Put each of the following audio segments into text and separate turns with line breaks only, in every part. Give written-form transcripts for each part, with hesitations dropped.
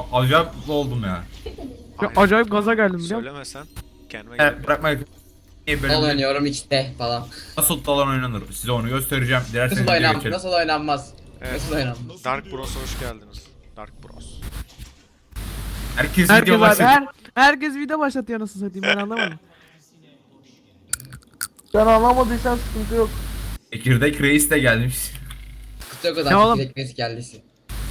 acayip mutlu oldum ya.
Ya acayip gaza geldim biliyor musun?
Söylemesen kendime
Evet,
gelip
bırakma.
Dal oynuyorum içte falan.
Nasıl dalan oynanır? Size onu göstereceğim. Dilerseniz
Nasıl
video geçelim.
nasıl oynanmaz?
Evet.
Nasıl oynanmaz?
Dark Bros'a hoş geldiniz. Dark Bros.
Herkes
Herkes
video
abi,
başladı.
herkes video başlatıyor nasıl satayım ben anlamadım.
Sen anlamadıysan sıkıntı yok.
Çekirdek reis de gelmiş.
Kutu yok o
Ne oğlum?
zaman ekmesi geldiyse.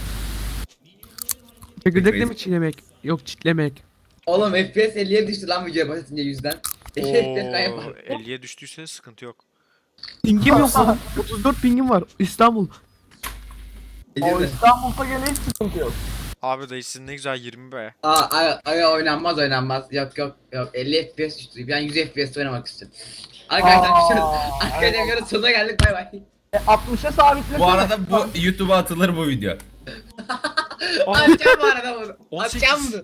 Çekirdekle mi çiğnemek? Yok çitlemek.
Oğlum FPS 50'ye düştü lan videoya başlatınca yüzden. 50 FPS ben
Oo,
yaparım.
50'ye düştüyse sıkıntı yok.
Pingim yok oğlum. 34 pingim var. İstanbul.
O İstanbul'da gene hiç sıkıntı yok.
Abi dayı sizin ne güzel 20 be.
Ay oynanmaz oynanmaz. Yok 50 FPS düştü. Ben 100 FPS oynamak istiyorum. Arkadaşlar arkadaşlar videonun sonuna geldik bay bay.
60'a sabitlesene.
Bu arada bu YouTube'a atılır bu video.
Atacağım bu arada bunu.
18.
Atacağım bunu.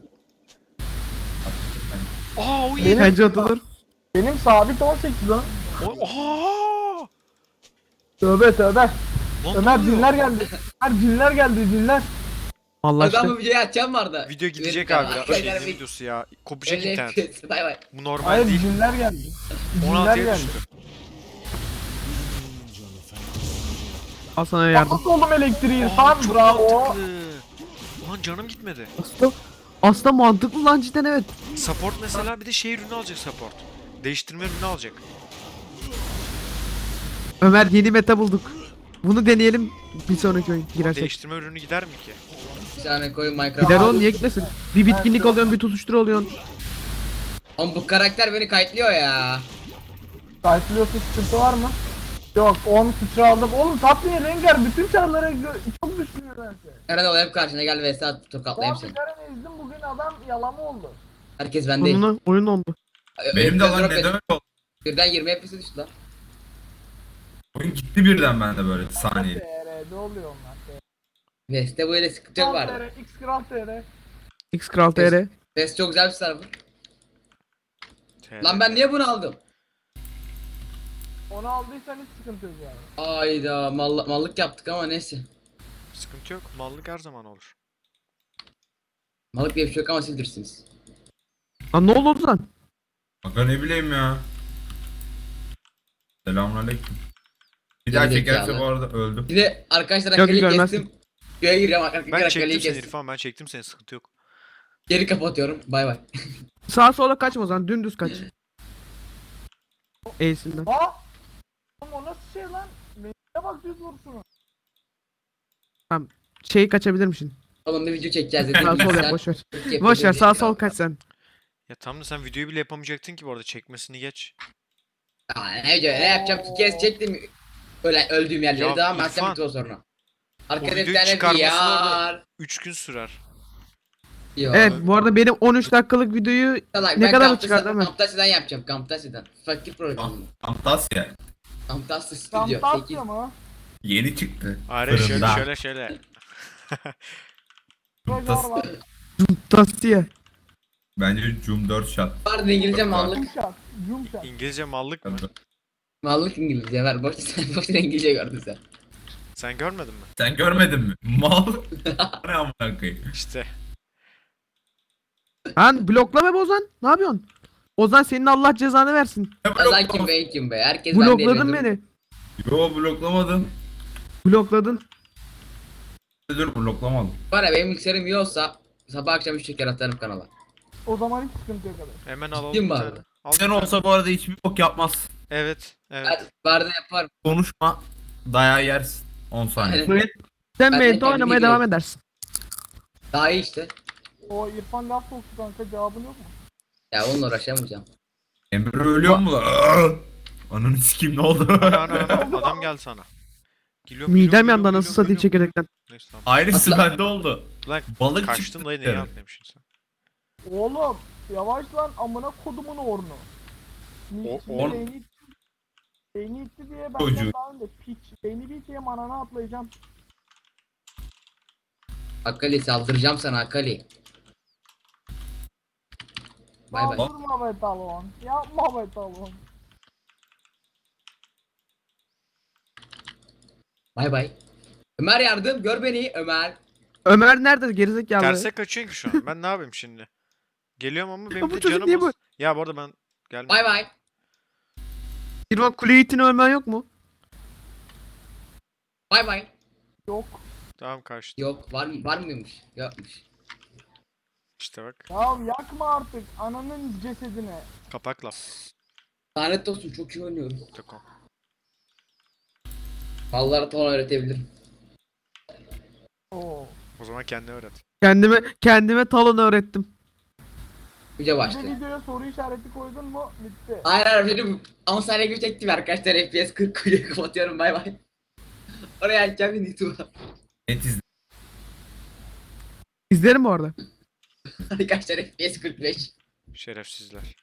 Aa o iyi.
Benim,
Bence atılır.
benim sabit 18 lan.
Aa!
Tövbe tövbe.
Lan
Ömer
ne oluyor?
cinler geldi. Ömer cinler geldi cinler.
Vallahi
Ben
işte.
bu videoyu atacağım vardı.
Video gidecek
Evet,
abi ya.
arkadaşlar,
Şey ne videosu ya. Kopacak
50
internet.
FPS bay bay.
Bu normal
Hayır
değil.
cinler geldi. Cinler
16'ya
geldi.
düştü.
Al sana yardım.
Nasıl oldum elektriği?
Aa,
Tamam
çok
bravo.
mantıklı. Ulan canım gitmedi.
Aslında mantıklı lan cidden evet.
Support mesela bir de şey ürünü alacak support. Değiştirme ürünü alacak.
Ömer yeni meta bulduk. Bunu deneyelim bir sonraki oyun girersek.
Değiştirme ürünü gider mi ki?
Bir tane koyun
Gider
Minecraft.
oğlum niye gitmesin? Bir bitkinlik alıyorsun bir tutuştur alıyorsun.
Oğlum bu karakter beni kayıtlıyor ya.
Kalkülüyorsa sıkıntı var mı? Yok 10 sıçra aldım. Oğlum Tatlı'ya Rengar bütün çarlara çok düşünüyor bence.
Eren ol hep karşına gel vs at tokatlayayım seni.
Tatlı'ya ezdim bugün adam yalama oldu.
Herkes bendeyim.
Sonuna oyun oldu.
Benim de lan
Drop
neden
edin.
öyle oldu?
Birden 20 FPS düştü lan.
Oyun gitti birden bende böyle saniye.
TR'de oluyor onlar.
Vs'te böyle sıkıntı yok
Kral
vardı.
TR, X Kral TR.
X Kral TR.
Vs çok güzel bir server. Lan ben niye bunu aldım?
Onu aldıysan hiç sıkıntı yok yani.
Ayda mallık yaptık ama neyse.
Sıkıntı yok. Mallık her zaman olur.
Mallık diye bir şey yok ama siz bilirsiniz.
Lan ne oldu lan?
Aga ne bileyim ya. Selamünaleyküm. Bir daha
Geri
çekerse
zekalı.
bu arada öldüm.
Bir de arkadaşlar
Yok,
akaliyi
görmezsin.
kestim. Göğe giriyorum arkadaşlar
Ben
akaliyi
çektim seni
kestim.
İrfan, ben çektim seni, sıkıntı yok.
Geri kapatıyorum. Bay bay.
Sağa sola kaçma o zaman dümdüz kaç. E'sinden.
Ha? Oğlum o nasıl şey lan? Neye bak düz vuruşunu.
Şeyi kaçabilir misin?
Oğlum bir video çekeceğiz dedim.
Sağ sol
Sen
yap boşver.
yapıyordun
Boşver
diye.
sağ sol kaç sen.
Ya tamam da sen videoyu bile yapamayacaktın ki bu arada, çekmesini geç.
Aa, ne video ne yapacağım ki kez çektim. Öyle öldüğüm yerleri
Ya
daha ben
İrfan,
sen bitti o sonra. Arkada bir
videoyu
tane
çıkarması
VR.
3 gün sürer.
Yok.
Evet bu arada benim 13 dakikalık videoyu
Salak,
ne
ben
kadar mı
Camtasia-
çıkardı hemen?
Camtasia'dan yapacağım. Camtasia'dan. Fakir program.
Fantasya.
Camtasia Studio. 8.
Camtasia mı?
Yeni çıktı.
Hayır
Fırında.
şöyle.
Rengar var.
Tastiye.
Bence Doom 4 shot.
Vardı İngilizce mallık.
Yumuşak. Yumuşak.
İngilizce mallık mı?
Mallık İngilizce ver. Boşuna İngilizce gördün sen.
Sen görmedin mi?
Sen görmedin mi? Mal. Ne amına koyayım.
İşte.
Lan bloklama be Ozan. Ne yapıyorsun? Ozan senin Allah cezanı versin.
Azan kim be kim be. Herkes bende
Blokladın
eviyor.
beni.
Yo bloklamadım.
Blokladın.
Dur bloklamadım.
Var ya benim bilgisayarım iyi olsa sabah akşam 3 şeker atarım kanala.
O zaman hiç sıkıntı yok abi.
Hemen alalım
Ciddiyim
bir
mi
tane.
abi?
Al
Sen
bir tane.
olsa bu arada hiçbir bok yapmaz.
Evet.
Hadi barda yaparım.
Konuşma. Dayağı yersin. 10 saniye.
Aynen.
Sen
Ben de
meyde
kendim
oynamaya
biliyorum.
devam edersin.
Daha iyi işte.
O İrfan laf soktu kanka cevabın yok mu?
Ya onunla uğraşamayacağım.
Emre ölüyor mu lan? Aa! Ananı sikeyim ne oldu?
Adam geldi sana. Geliyorum,
Midem
geliyorum,
yandı
geliyorum,
anasını satayım
geliyorum.
çekirdekten.
Neyse tamam.
Aynısı
Atla.
bende oldu.
Lan
Balık
kaçtın
çıktı.
dayı, neye atlamışsın sen?
Oğlum yavaş lan amına kodumun ornu.
Orn?
Beyni itti diye ben
Çocuğu.
daha önce piç. Beyni bir diye manana atlayacağım.
Akali saldıracağım sana Akali. Bay bay.
Saldırma be talon. Yapma be talon.
Bay bay. Ömer yardım gör beni Ömer.
Ömer nerede gerizekalı?
Terse kaçıyorsun ki şu an. Ben ne yapayım şimdi? Geliyorum ama benim
bu
de
çocuk
canım
niye
az. Ya bu arada ben gelmem.
Bay bay.
İrfan kule itini ölmen yok mu?
Bay bay.
Yok.
Tamam kaçtı.
Yok var mıymış? Yokmuş.
İşte bak.
Ya yakma artık ananın cesedini.
Kapakla.
Lanet olsun çok iyi oynuyorum.
Takom.
Vallahi ton öğretebilirim.
Oo.
O zaman kendine öğret.
Kendime talon öğrettim.
Yüce
Bir de
başlı.
videoya soru işareti koydun mu bitti.
Hayır benim 10 saniye gibi çektim arkadaşlar FPS 40 koyuyor kapatıyorum bay bay. Oraya açacağım yine YouTube'a.
Net izle.
İzlerim bu arada.
Arkadaşlar FPS 45.
Şerefsizler.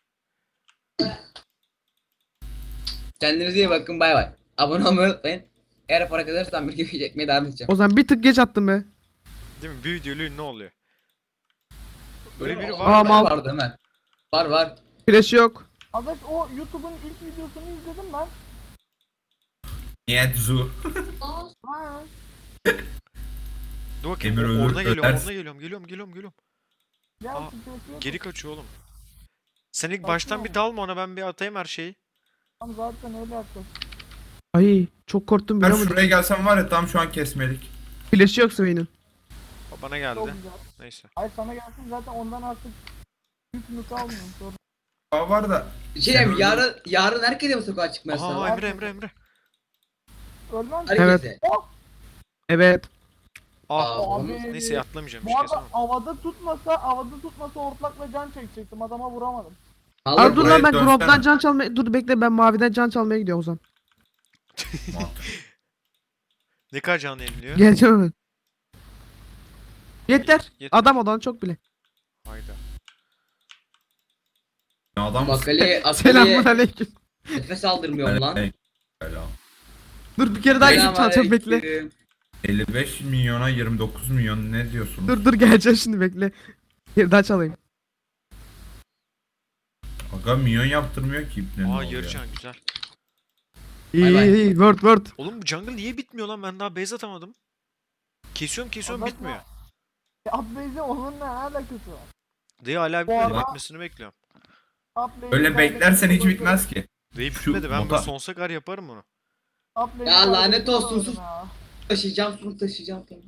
Kendinize iyi bakın bay bay. Abone olmayı unutmayın. Eğer para kazanırsam bir gibi çekmeye devam edeceğim.
O zaman bir tık geç attım be.
Değil mi? Bir videoyla ünlü oluyor. Öyle biri
Aa,
var mı?
mal.
Vardı hemen. Var.
Flash yok.
Arkadaş o YouTube'un ilk videosunu izledim ben.
Niyet zu.
Ha.
Dur bakayım.
Emir ölür,
Orada geliyorum.
ölersin.
Orada geliyorum.
Gel
Aa,
sıkıntı yok.
Geri kaçıyor oğlum. Sen ilk
Saçma
baştan bir
ama.
dalma ona, ben bir atayım her şeyi.
Tamam zaten öyle yapacağız.
Ay çok korktum
Ben
biliyor musun?
şuraya gelsem var ya tam şu an kesmelik.
Flash yok Swain'in.
O bana
Çok
geldi.
güzel.
Neyse.
Hayır sana gelsin zaten ondan artık yükünü kalmıyor. Sorun.
Aa var da.
Bir şey diyeyim yarın herkese mi sokağa çıkmaya
Aha
sağlar?
Emre.
Ölmem.
Herkese.
Oh!
Evet.
Ah.
Abi.
Neyse atlamayacağım.
Bu arada havada tutmasa ortakla can çekecektim. Adama vuramadım.
Allah
Aa, dur
buraya
lan ben
dönsene.
Grob'dan can çalmaya... Dur bekle ben maviden can çalmaya gidiyorum o zaman.
Ne kadar canlı yeniliyor?
Geleceğim hemen. Yeter.
Yeter.
Adam olan çok bile.
Hayda.
Adam
Akali'ye
Selamun aleyküm.
nefes aldırmıyorum lan.
Selam.
Dur bir kere daha gidip çalacağım bekle.
Selamünaleyküm.
55 milyona 29 milyon ne diyorsunuz?
Dur geleceğim şimdi bekle. Bir kere daha çalayım.
Aga milyon yaptırmıyor ki ipne.
Aa yarı can güzel.
İyi
bay.
iyi word.
Oğlum bu jungle niye bitmiyor lan? Ben daha base atamadım. Kesiyorum
Adam-
bitmiyor.
Upbase'e onunla ne alakası var?
Dayı hala
Bu
bitmedi.
arada-
Bitmesini bekliyorum.
Upbase'e
Öyle beklersen hiç
kaybettiğimiz
bitmez ki.
Dayı
Şu
bitmedi. Ben
bota-
bu sonsuza kadar yaparım bunu.
Upbase'e
Ya lanet
kaybettiğimiz
olsun, sus.
oyunu ha.
Taşıyacağım.
Upbase'i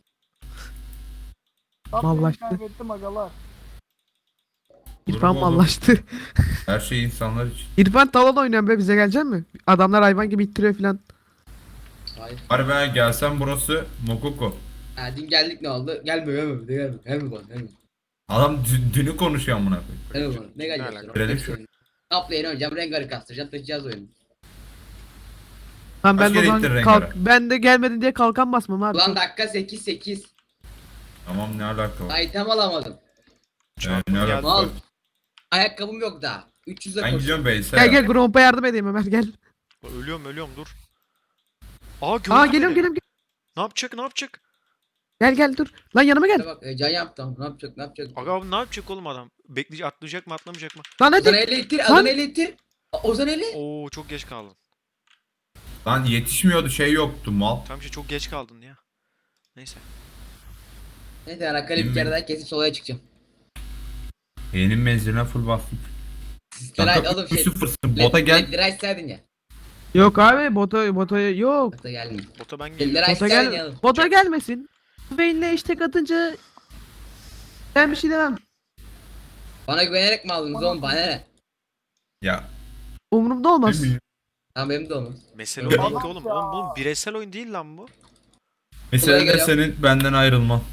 Mallaştı.
kaybettim agalar.
İrfan
Dur,
mallaştı.
Her şey insanlar için.
İrfan talon oynayan be bize gelecek mi? Adamlar hayvan gibi ittiriyor filan.
Hayır.
Bari ben gelsem burası Mokoko.
Ha, dün geldik ne oldu? Gelme bana.
Adam dünü konuşuyor amına koyayım.
Gelme bana. Ne
Ne
geleceksin?
alaka?
Görelim şu.
Uplay'ını oynayacağım. Rengar'ı kastıracağım. Taşıyacağız oyunu.
Tamam ben
Kaç
de o
kere
zaman
ittin
kalk.
Rengar'a?
Ben de gelmedin diye kalkan basmam abi.
Ulan dakika 8.
Tamam ne alaka var?
Item alamadım.
Çarpım
ne
geldi.
alaka
Mal.
var?
Ayakkabım yok daha. 300'e
Ben
koşuyorum.
gidiyorum Beyse.
Gel Gromp'a yardım edeyim Ömer gel.
Ölüyorum dur. Aa gördü
Aa
beni.
geliyorum.
Ne yapacak?
Gel dur. Lan yanıma gel.
Bak can yaptım. Ne yapacak?
Aga abi ne yapacak oğlum adam? Bekleyecek, atlayacak mı atlamayacak mı?
Lan
Ozan
hadi.
eli ittir.
Lan.
Ozan eli ittir. Ozan eli.
Oo çok geç kaldın.
Lan yetişmiyordu şey yoktu mal.
Tam şey çok geç kaldın ya. Neyse.
Neyse ben Akali bir kere daha kesip solaya çıkacağım.
Benim menziline full bastım.
Leray
Kanka
oğlum şey.
3-0'sın. Bota gel.
Leray istedin ya.
Yok abi bota yok.
Bota gelmiyor.
Bota ben geliyorum.
Leray
Bota
istedin
gel.
ya.
Bota gelmesin. Vayne'le istek atınca ben bir şey demem.
Bana güvenerek mi aldınız oğlum? Bana ne?
Ya.
Umurumda olmaz.
bilmiyorum.
Tamam benim de olmaz.
Mesele o değil ki
Adam
oğlum.
ya.
Oğlum bu bireysel oyun değil lan bu.
Mesela de
geliyorum.
senin benden ayrılman.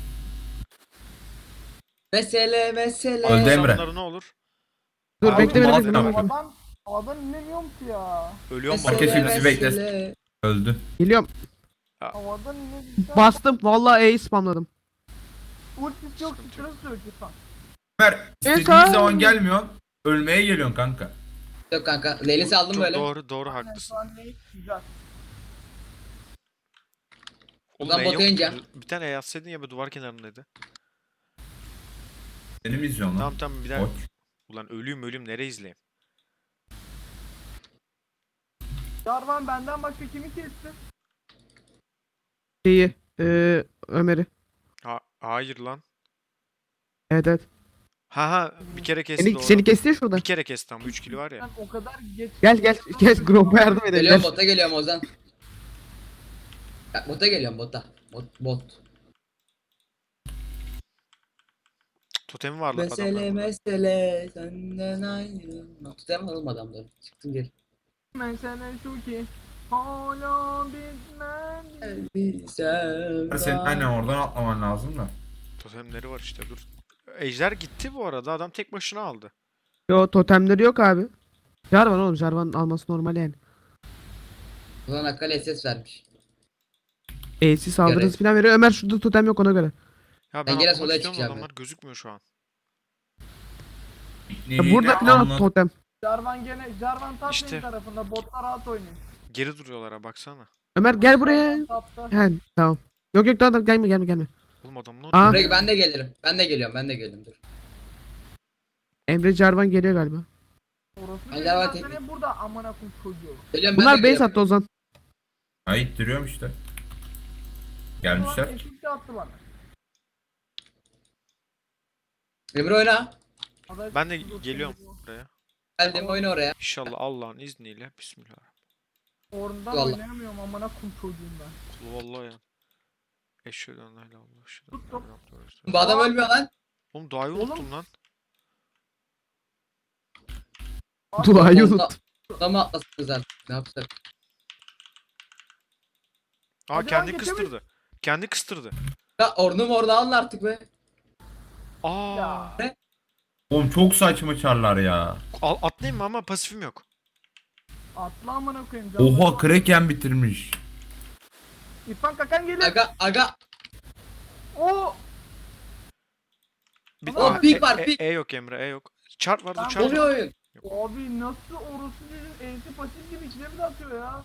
Mesele.
Öldü Emre.
İnsanlara ne olur?
Dur
Abi,
bekle
mal
beni.
yapma.
Havadan inemiyorum ki ya.
Ölüyorum
Herkes
bak.
bizi beklesin. Öldü.
Geliyorum.
Havadan inemiyorum.
Bastım. Vallahi E'yi spamladım.
Ultisi yok.
Sıkıntı
Sıkıntı yok lütfen.
Ömer istediğin
abi.
zaman gelmiyorsun. Ölmeye geliyorsun kanka.
Yok kanka. Leylisi aldım
Çok
böyle.
doğru haklısın.
Şu an ne? Güzel.
Oğlum
Ulan
E
bota
yok.
ineceğim.
Bir tane E yazsaydın ya bu duvar kenarındaydı.
Seni mi izliyorsun lan?
Tamam bir daha.
Koç.
Ulan ölüyüm nereye izleyeyim?
Jarvan benden başka kimi kesti?
Şeyi. Ömer'i.
Ha Hayır lan.
Evet evet.
Ha bir kere kesti
Seni,
doğru.
seni kesti ya şurada.
Bir kere kesti ama 3 kilo var ya.
Ben o kadar geç.
Gel gruba yardım edelim.
Geliyorum
Gel.
bota geliyorum Ozan. Ya, bota geliyorum bota. Bot.
Totemi var lan
Mesele
adamların.
mesele senden ayrılma. Tutamam oğlum adamları. Çıktım geri.
Mesele şu ki hala bitmedi.
Senin aynen oradan atlaman lazım da.
Totemleri var işte dur. Ejder gitti bu arada. Adam tek başına aldı.
Yo totemleri yok abi. Jarvan oğlum, Jarvan'ın alması normal yani.
Ulan Akkale ses vermiş.
AC saldırısı falan veriyor. Ömer şurada totem yok ona göre.
Ya
Ben
ben
gene
atlamak
solaya
istiyorum da
çıkacağım
adamlar gözükmüyor şu an.
Ya burada falan totem.
Jarvan top
İşte.
lane tarafında, botlar rahat oynuyor.
Geri duruyorlar ha baksana.
Ömer gel buraya.
Tapta.
He tamam. Yok tamam gelme.
Oğlum adamlar
Aa.
Buraya ben de gelirim. Ben de geliyorum dur.
Emre Jarvan geliyor galiba.
Orası
Ay,
değil,
Jarvan
ben
teknik.
seni burada amına koyayım çocuğu.
Geliyorum ben de
Bunlar base
geliyorum.
attı Ozan.
Ay duruyorum işte.
Jarvan
Gelmişler.
eşit de attı bana.
Emre oyna.
Aday-
Ben de geliyorum buraya.
Geldim oyna oraya.
İnşallah Allah'ın izniyle. Bismillah.
Oradan
Vallahi.
oynayamıyorum amına koyayım çocuğum ben.
Kulu vallahi ya. Eşhedü en la ilahe illallah. Eşhedü en la
Tuttum.
ilahe illallah.
Bu adam ölmüyor lan.
Oğlum duayı
Oğlum.
unuttum lan.
Duayı
Onda-
unut.
Adamı atlasınız artık. Ne yapsak?
Aa
Hadi
kendi
lan, geçemedim.
kıstırdı. Kendi kıstırdı.
Ya orada alın artık be.
Aa.
Ya.
Oğlum çok saçma çarlar ya.
Atlayayım mı ama pasifim yok.
Atla amına koyayım.
Oha Kraken bitirmiş.
İrfan Kakan geliyor.
Aga.
O.
Bir
Oğlum,
Aa,
pik var, pik.
E yok Emre, E yok. Çarp var, dur
Tamam,
çarp
Oluyor
var.
oyun.
Abi nasıl orası bizim ensi pasif gibi içine mi atıyor ya?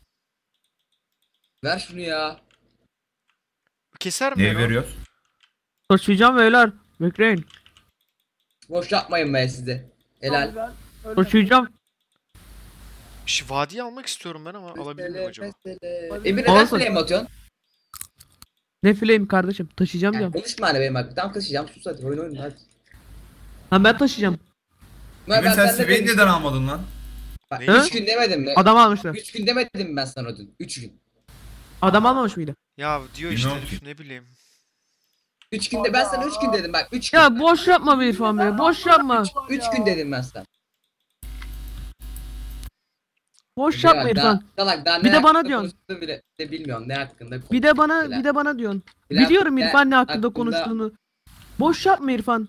Ver şunu ya.
Keser mi
Neye
ya?
veriyoruz?
Taşıyacağım beyler. Bekleyin.
Boş yapmayın be size. Helal.
Güzel. Ölmedi.
Taşıyacağım.
Vadiyi almak istiyorum ben ama alabilir miyim acaba?
Emir neden
Olsun.
flame atıyorsun?
Ne flame kardeşim? Taşıyacağım
Yani
diyorum.
konuşma hani benim hakkım. Tamam kaçacağım sus hadi oyun hadi.
Ha ben taşıyacağım.
Ömer,
Emre sen
seninle
Sivey'i
konuştum.
neden almadın lan?
Bak,
Ne?
3 gün demedim mi?
Adam almışlar.
3 gün demedim mi ben sana dün? 3 gün.
Adam almamış mıydı?
Ya diyor işte
Bilmiyorum
herif,
ki.
ne bileyim.
3 günde ben sana 3 gün dedim bak 3 gün.
Ya boş yapma be İrfan be. Boş yapma.
3 gün dedim ben sana.
Boş yapma
Bak,
İrfan.
Salak daha
Bir
ne
de bana
hakkında
diyorsun.
konuştuğunu bile de bilmiyorum ne hakkında.
Bir de bana diyorsun. Biliyorum İrfan ne hakkında konuştuğunu. Boş yapma İrfan.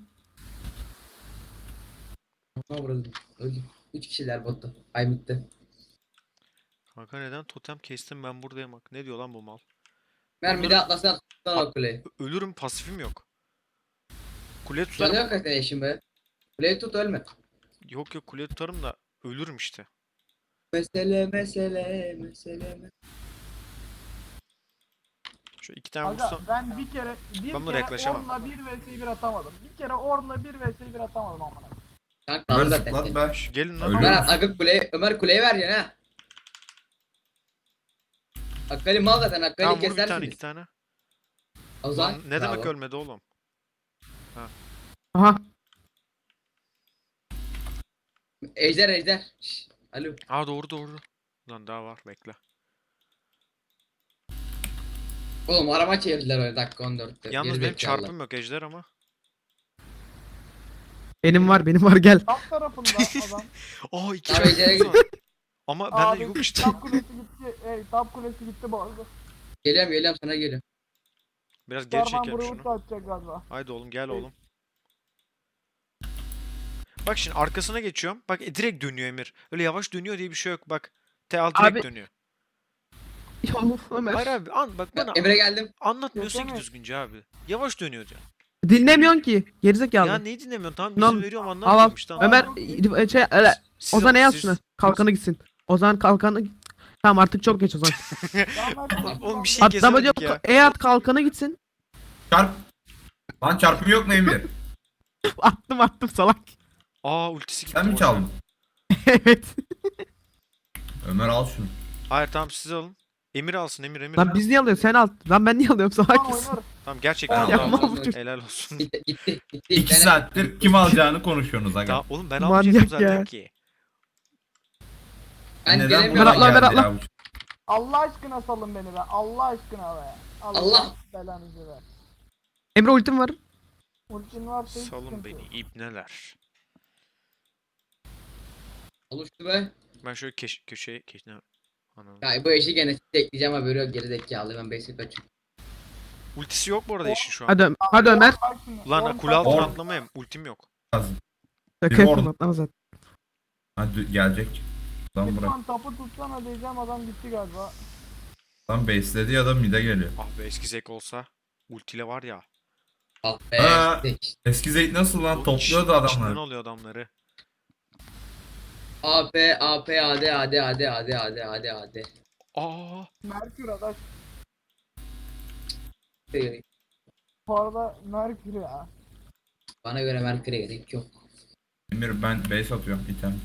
Öldüm. 3 kişiler botta. Ay bitti.
Kanka neden totem kestim ben buradayım bak. Ne diyor lan bu mal?
Ben bir de atlasana tutan o kuleyi.
Ölürüm, pasifim yok. Kule
Canı
tutarım.
yok hakikaten eşim be. Kuleyi tut ölme.
Yok kule tutarım da ölürüm işte.
Mesele.
Şu iki tane
Aga
vursam.
ben bir kere
Ben buna yaklaşamam.
Orn'la 1 vs 1 atamadım. Bir kere Orn'la 1 vs 1 atamadım amına.
Kanka
Ömer
alır zaten.
zıplat be.
Şu gelin lan.
Ölüyorum.
Ömer kuleyi ver ya ha. Akkali mal zaten
Tamam
Akkali
vur bir tane
kesersiniz.
iki tane.
O zaman
Lan ne demek
bravo.
ölmedi oğlum?
Aha.
Ejder. Şşş. Alo.
Aa doğru. Lan daha var bekle.
Oğlum arama çevirdiler öyle dakika 14'te.
Yalnız benim
Gerizekalılar.
çarpım yok ejder ama.
Benim var gel.
Top tarafında adam.
Aa iki
Tamam, ejder'e
çarpım var. Ama bende
Abi
yok işte.
top kulesi gitti. Top kulesi gitti bu arada.
Geliyorum sana geliyorum.
Biraz geri
Jarvan
çekelim
buraya
şunu.
ulti atacak galiba.
Haydi oğlum gel oğlum. Bak şimdi arkasına geçiyorum. Bak direkt dönüyor Emir. Öyle yavaş dönüyor diye bir şey yok bak. T direkt
Abi-
dönüyor.
Ya of Ömer.
Hayır abi bak bana
Emre geldim.
anlatmıyorsun ki
Yetenek.
düzgünce abi. Yavaş dönüyor diyor.
Dinlemiyorsun ki. Gerizekalı.
Ya neyi dinlemiyorsun? Tamam
Lan,
izin veriyorum
Al
anlatmıyorum
al.
işte. tamam.
Ömer öyle.
Siz-
Ozan ne yaz
siz-
şuna? Kalkanı gitsin. Ozan kalkanı. Tamam artık çok geç Ozan.
Oğlum bir şey
Atlama diyor.
kesemedik ya.
Eğer kalkanı gitsin.
Çarp. Lan çarpım yok mu Emir?
Attım salak.
Aa ultisi gitti.
Sen mi
boş
çaldın?
Evet.
Ömer al şunu.
Hayır tamam siz alın. Emir alsın Emir.
Lan biz niye alıyoruz? Sen al. Lan ben niye alıyorum? Salak
Tamam
mısın?
oynarız.
Tamam gerçekten
Tamam,
al.
yapma bu
çocuk.
Helal olsun.
Gitti.
2
tane-
saattir kim alacağını konuşuyorsunuz aga.
Tamam oğlum ben
Manyak
almayacaktım zaten
ya.
ki.
Ben
Neden
gelemiyorum.
buna
Berat lan,
geldi
Berat lan.
ya bu?
Allah aşkına salın beni be. Allah aşkına be.
Allah.
belanızı ver.
Emre ultim var.
Ultin varsa hiç
Salın
sıkıntı
beni
yok.
ibneler.
Oluştu be.
Ben şöyle köşeye Anam.
Ya bu eşi gene tekleyeceğim haberi yok gerizekalı ben basic açıyorum.
Ultisi yok bu arada eşin şu an.
Hadi Ömer.
Bak şimdi,
Lan
on
kule altına
on-
atlamayayım. Ultim yok.
Lazım.
Şaka
Bir
yapıyorum
orada.
atlama zaten.
Hadi gelecek. Lan bırak.
Lütfen tapu tutsana diyeceğim adam gitti galiba.
Lan base'ledi ya da mid'e geliyor.
Ah be eski Zek olsa. Ultiyle var ya.
Ah be.
Aa.
işte.
Eski Zeyt nasıl lan?
o
Topluyordu
içinden
adamları.
alıyor adamları.
AP AD.
Aa.
Merkür adaş. Bu arada Merkür ya.
Bana göre Merkür'e gerek yok.
Emir ben base atıyorum item.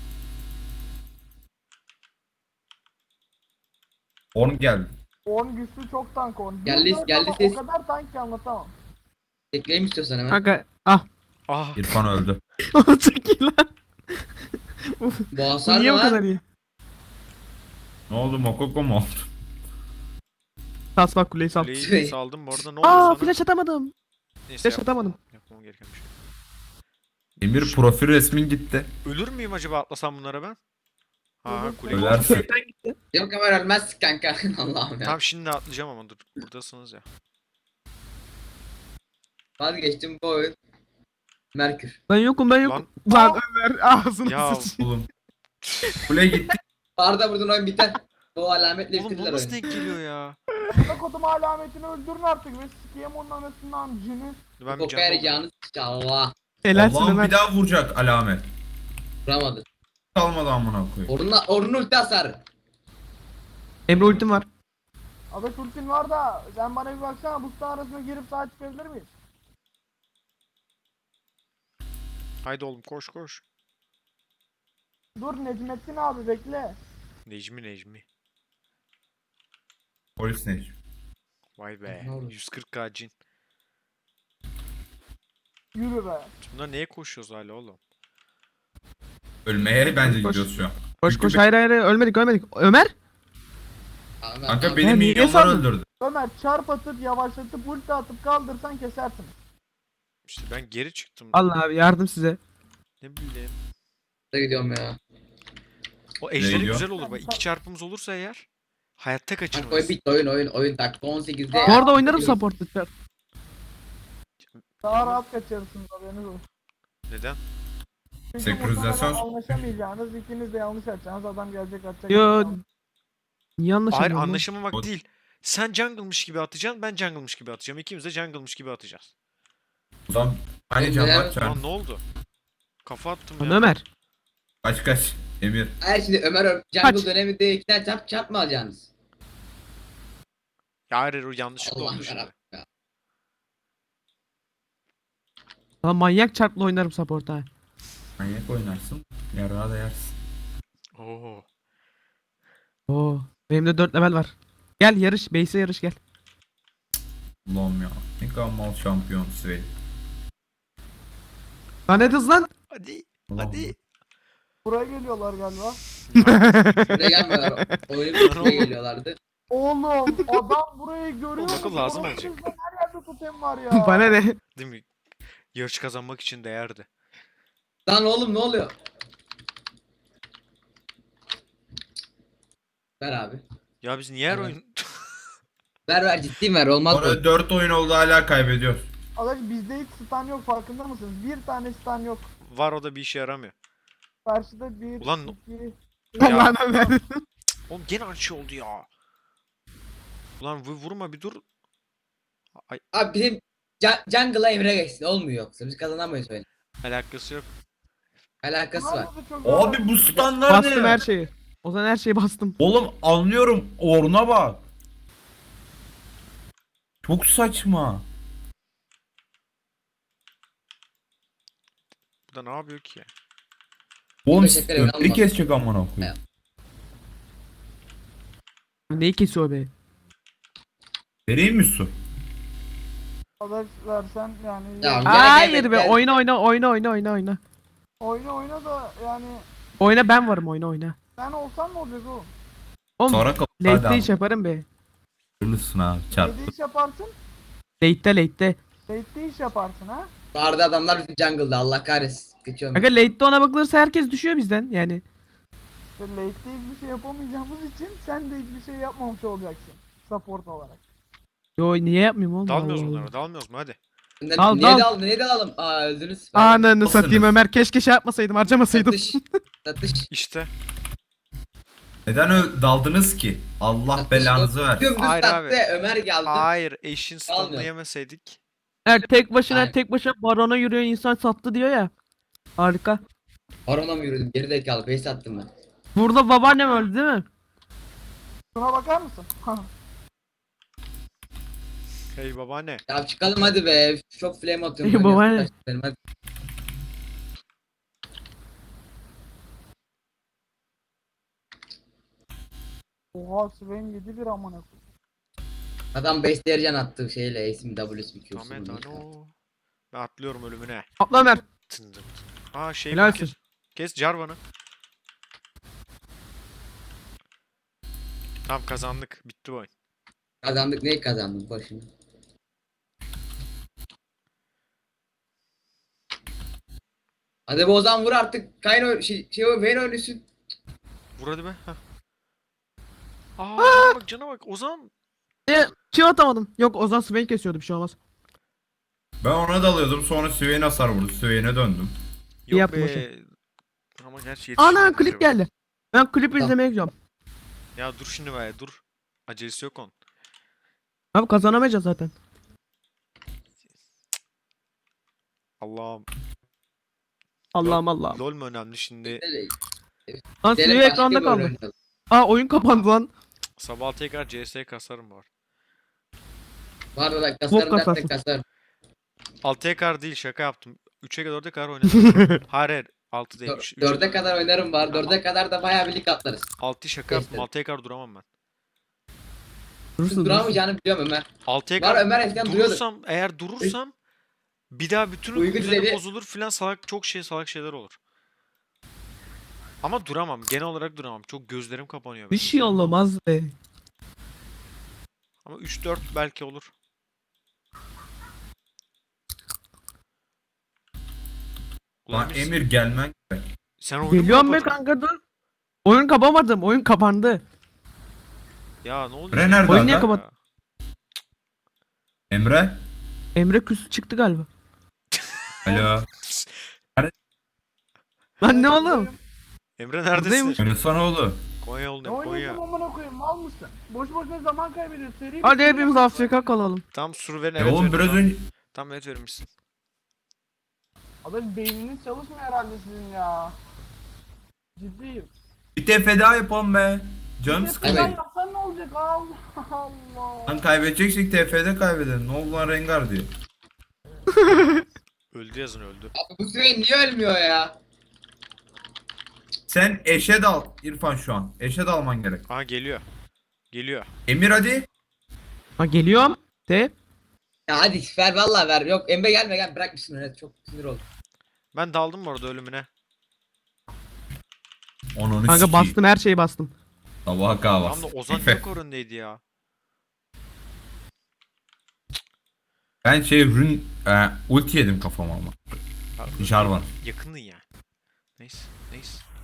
Orn geldi.
10 güçlü çok tank 10.
Geldi ses.
O kadar tank ki anlatamam.
Tekleyeyim istiyorsan hemen.
Kanka ah.
Ah.
İrfan öldü.
Çok iyi lan.
Bu
Bu
hasar
niye
mı
bu kadar
lan?
iyi?
Ne oldu Mokoko mu oldu?
Sas bak kuleyi sal.
Kuleyi saldım bu arada ne oldu
Aa
sana?
flash atamadım.
Neyse
Flash atamadım.
yapmam gereken bir şey.
Emir profil resmin gitti.
Ölür müyüm acaba atlasam bunlara ben? Ha
Ölürsün.
kuleyi.
Ölersin.
Yok Ömer ölmez kanka. Allah'ım ya.
Tamam şimdi atlayacağım ama dur. Buradasınız ya.
Vazgeçtim bu oyun. Merkür.
Ben yokum ben yokum. Lan Ömer ağzını
Ya
sıçayım.
Oğlum. Kule gitti.
Arda buradan oyun biter. Bu alametle
oğlum bu
bitirdiler
nasıl
oyunu.
denk geliyor ya?
Buna kodum alametini öldürün artık ve sikiyem onun anasından cini.
Ben bir
Bu
can doldurayım.
yarayacağını Allah.
Helalsin
Allah'ım
Ömer.
bir daha vuracak alamet.
Vuramadı.
Kalmadı amına koyayım.
Orun'un ulti hasarı.
Emre ultim var.
Adaş ultin var da sen bana bir baksana bu arasına girip sağ çıkabilir miyiz?
Haydi oğlum koş.
Dur Necmettin abi bekle.
Necmi.
Polis ne?
Vay be.
Ne oldu?
140k cin.
Yürü be.
Bunlar neye koşuyoruz hala oğlum?
Ölmeye bence
Koş.
gidiyoruz şu an.
Koş
Çünkü
koş hayır ölmedik. Ömer?
Kanka
Ya
beni
niye
milyonlar
saldın?
öldürdü.
Ömer çarp atıp yavaşlatıp ulti atıp kaldırsan kesersin.
İşte ben geri çıktım.
Allah abi yardım size.
Ne bileyim.
Gidiyorum ya.
O ejderi
diyor?
güzel olur bak. 2 çarpımız olursa eğer hayatta
Bak oyun
kaçırmayız.
bitti oyun dakika 18'de.
Bu arada oynarım support'ta. Çar.
Daha rahat kaçarsınız haberiniz olsun.
Neden?
Çünkü
Senkronizasyon-
muhtemelen anlaşamayacağınız ikiniz de yanlış açacaksınız adam gelecek atacak.
Yo. Niye
Hayır
anlaşamıyorsun? lan?
anlaşamamak
O-
değil. Sen jungle'mış gibi atacaksın, ben jungle'mış gibi atacağım. İkimiz de jungle'mış gibi atacağız.
O zaman hani can
Neden?
atacağım.
Lan ne oldu? Kafa attım
Lan
ya.
Ömer.
Kaç. Emir.
Hayır şimdi Ömer jungle döneminde 2 tane çarp mı alacaksınız?
Ya hayır o yanlışlıkla
Allah'ım
oldu şimdi.
yarabbim ya.
Lan manyak çarpla oynarım support'a.
Manyak oynarsın. Yarağı da yersin.
Oo.
Oo. Benim de 4 level var. Gel yarış. Base'e yarış gel.
Allah'ım ya. Ne kadar mal şampiyon Svey.
Lan ne hız lan?
Hadi.
Allah'ım.
Hadi.
Buraya geliyorlar galiba.
Buraya gelmiyorlar. Oyunu bitirmeye geliyorlardı.
Oğlum adam burayı görüyor
Oğlum, akıl
musun?
lazım
Oğlum,
olacak.
sizde her yerde totem var ya.
Bana ne?
Değil mi? Yarış kazanmak için değerdi.
Lan oğlum ne oluyor? Ver abi.
Ya biz niye her
Evet.
oyun...
Ver ciddiyim ver olmaz bu.
Orada 4 oyun oldu hala kaybediyor.
Adaş bizde hiç stun yok farkında mısınız? Bir tane stun yok.
Var o da bir işe yaramıyor.
Karşıda bir,
Ulan-
iki...
Ya.
Lan Ömer.
Oğlum gene aynı şey oldu ya. Ulan vurma bir dur. Ay
Abi bizim jungle'a Emre geçsin olmuyor yoksa biz kazanamayız öyle.
alakası yok.
Alakası var.
Bunlar da çok zor.
Abi bu standlar
Bastım
ne?
her şeyi. O zaman her şeyi bastım.
Oğlum anlıyorum. Oruna bak. Çok saçma.
Bu da ne yapıyor ki?
Oğlum
Teşekkür ederim,
öteki
alma.
kesecek amına koyayım.
Neyi kesiyor be?
Vereyim mi su?
Adaş versen yani.
Ya,
yani
Gel,
Hayır
gel,
be,
gel.
oyna.
oyna da yani
Oyna, ben varım, oyna.
sen olsan ne olacak oğlum?
Oğlum
Sonra kapat. Hadi
late'de
abi.
iş yaparım be.
Hayırlısın abi. Çarp.
Neyde iş yaparsın?
Late'de.
Late'de iş yaparsın ha?
Vardı adamlar bizim jungle'da Allah kahretsin. Geçiyorum.
Aga late'de ona bakılırsa herkes düşüyor bizden yani.
İşte late'de hiçbir şey yapamayacağımız için sen de hiçbir şey yapmamış olacaksın. Support olarak.
Yo, niye yapmayayım oğlum?
Dalmıyoruz
Allah
bunlara.
Allah.
Dalmıyoruz mu hadi.
Dal,
Niye
dal.
dalın? Niye dalalım? Aa öldünüz.
Ananı
Nasılsınız?
satayım Ömer, keşke şey yapmasaydım, harcamasaydım.
Satış. Satış.
İşte.
Neden daldınız ki? Allah
Satış.
belanızı ver.
Dümdüz
Hayır
sattı.
abi.
Ömer geldi.
Hayır, eşin stun'ını
Dalmıyor.
yemeseydik.
Eğer tek başına
Aynen.
barona yürüyen insan sattı diyor ya. Harika.
Barona mı yürüdüm? Geri zekalı. Base attım ben.
Burada babaannem öldü değil mi?
Şuna bakar mısın?
Hey babaanne.
Ya çıkalım hadi be. Çok flame atıyorum.
İyi
ben
baba,
ya.
ne?
Benim hadi.
Oha Swain 7-1 amına koyayım.
Adam base dercan attı şeyle. Ace'im W'si Q'su.
Ahmet ano. Ben atlıyorum ölümüne.
Atla Ömer.
Tındım. Aa şey
Helalsin.
kes. Kes Jarvan'ı. Tamam kazandık. Bitti bu oyun.
Kazandık. Neyi kazandık başını? Hadi bu Ozan vur artık. Kayn Vayne oynuyorsun.
Vur hadi be. Heh. Aa cana bak Ozan.
Şey atamadım. Yok, Ozan Swain kesiyordu, bir şey olmaz.
Ben ona dalıyordum, sonra Swain hasar vurdu. Swain'e döndüm.
Yok
yapma
be. Ama gerçi
Ana,
yetişmedi
klip
acaba.
geldi. Ben klip
Tamam.
izlemeye gidiyorum.
Ya dur şimdi be dur. Acelesi yok onun.
Abi kazanamayacağız zaten.
Allah'ım.
Allah'ım Allah'ım.
LOL mu önemli şimdi?
Lan
Gidelim
Swain
başka
ekranda
bir
kaldı.
oyun oynayalım.
Aa, oyun kapandı lan.
Sabah tekrar CS kasarım var.
Var da
Bok
kasarım dersen
kasarsın.
kasarım.
6'ya kadar değil şaka yaptım. 3'e kadar 4'e kadar oynadım. Hayır 6 değil.
4'e kadar oynarım var. 4'e kadar da bayağı birlik atlarız.
6'yı şaka yaptım.
Geçtim.
6'ya kadar duramam ben.
Durursun.
Duramayacağını biliyorum Ömer.
6'ya
Var
kadar
Ömer eskiden duruyordu.
durursam eğer durursam bir daha bütün
Uyku
düzeni
düzeni-
bozulur filan salak çok salak şeyler olur. Ama duramam. Genel olarak duramam. Çok gözlerim kapanıyor
Bir
benim.
şey olmaz be.
Ama 3-4 belki olur. Ulan
Lan
Emir,
Emir gelmen gerek.
sen oyunu mu
Geliyorum be
kapadın?
kanka, dur. Oyun kapamadım. Oyun kapandı.
Ya ne oldu?
Emre nerede
Oyun niye
aga?
kapat-
Emre?
Emre küs çıktı galiba.
Alo.
Lan ne oğlum?
Emre neredesin?
Buradaymış.
Oynasana oğlum.
Konya
Ne
yolundayım Konya.
oynuyorsun amına koyayım mal mısın? Boş boşuna zaman kaybediyorsun. Seri
Hadi
bir
hepimiz
şey
Afrika kalalım.
Tam sur verin
E
evet
oğlum
verin,
biraz
tamam.
önce
Tam evet vermişsin.
Adaş beyniniz çalışmıyor herhalde sizin ya. Ciddiyim.
bir TF daha yapalım be. Canım
Bir
sıkıldı.
tepeden yapsan ne olacak? Allah Allah.
Lan kaybedeceksek TF'de kaybedelim. Ne oldu lan Rengar diyor.
Öldü yazın öldü.
Abi bu Swain niye ölmüyor ya?
Sen eşe dal İrfan şu an. Eşe dalman gerek.
Aha geliyor. Geliyor.
Emir hadi.
Ha, geliyorum. De.
Ya hadi ver vallahi ver. Yok Emre gelme gel bırakmışsın öyle çok sinir oldum.
Ben daldım bu arada ölümüne.
Onu
Kanka bastım, her şeyi bastım.
Sabaha
Tam
kahvası.
da Ozan
Efe.
yok orundaydı ya.
Ben ulti yedim kafama ama.
Ya,
Jarvan.
yakındın ya. Neyse.